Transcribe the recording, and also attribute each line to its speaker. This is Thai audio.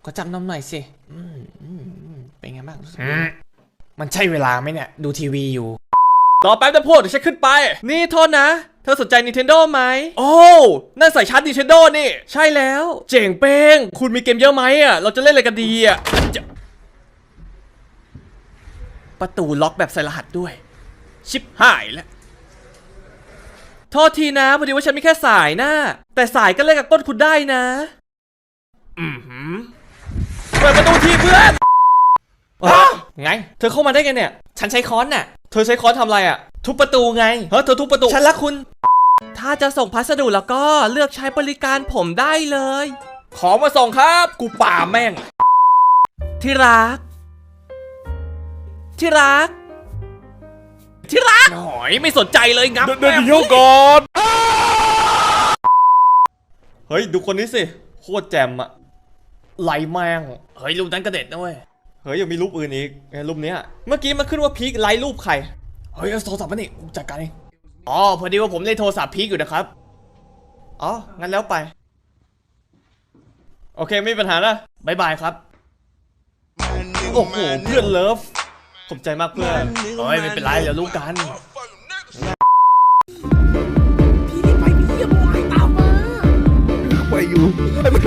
Speaker 1: ขอจับนมหน่อยสิเป็นไงบ้างมันใช่เวลาไหมเนี่ยดูทีวีอยู่รอแป๊บนะพวกเดี๋ยวฉันขึ้นไปนี่โทษนะเธอสนใจ Nintendo ไหมโอ้นั่นใส่ชาร์จ Nintendo นี่ใช่แล้วเจ๋งเป้งคุณมีเกมเยอะไหมอ่ะเราจะเล่นอะไรกันดีอ่ะประตูล็อกแบบใส่รหัสด้วยชิบหายแล้วโทษทีนะพอดีว่าฉันมีแค่สายนะแต่สายก็เล่นกับก้นคุณได้นะเปิดประตูทีเพื่อนไงเธอเข้ามาได้ไงเนี่ยฉันใช้ค้อนน่ะเธอใช้ค้อนทำอะไรอ่ะทุบประตูไงเธอทุบประตูฉันรักคุณถ้าจะส่งพัสดุแล้วก็เลือกใช้บริการผมได้เลยขอมาส่งครับกูป่าแม่งที่รักที่รักหน่อยไม่สนใจเลยงับเดี๋ยวก่อนเฮ้ยดูคนนี้สิโคตรแจ่มอะไหลแมงเฮ้ยรูปนั้นกระเด็ดนะเว้ยเฮ้ยยังมีรูปอื่นอีกรูปเนี้ยเมื่อกี้มันขึ้นว่าพีคไลค์รูปใครเฮ้ยโทรศัพท์มันนี่จัดการเองอ๋อพอดีว่าผมเล่นโทรศัพท์พีคอยู่นะครับอ๋องั้นแล้วไปโอเคไม่มีปัญหานะบ๊ายบายครับโอ้โหเพื่อนเลิฟขอบใจมากเพื่อนเฮ้ยไม่เป็นไรเดี๋ยวรู้กัน
Speaker 2: พี่รีบไปพี่อย่าบอกให้ตามมาไปอยู่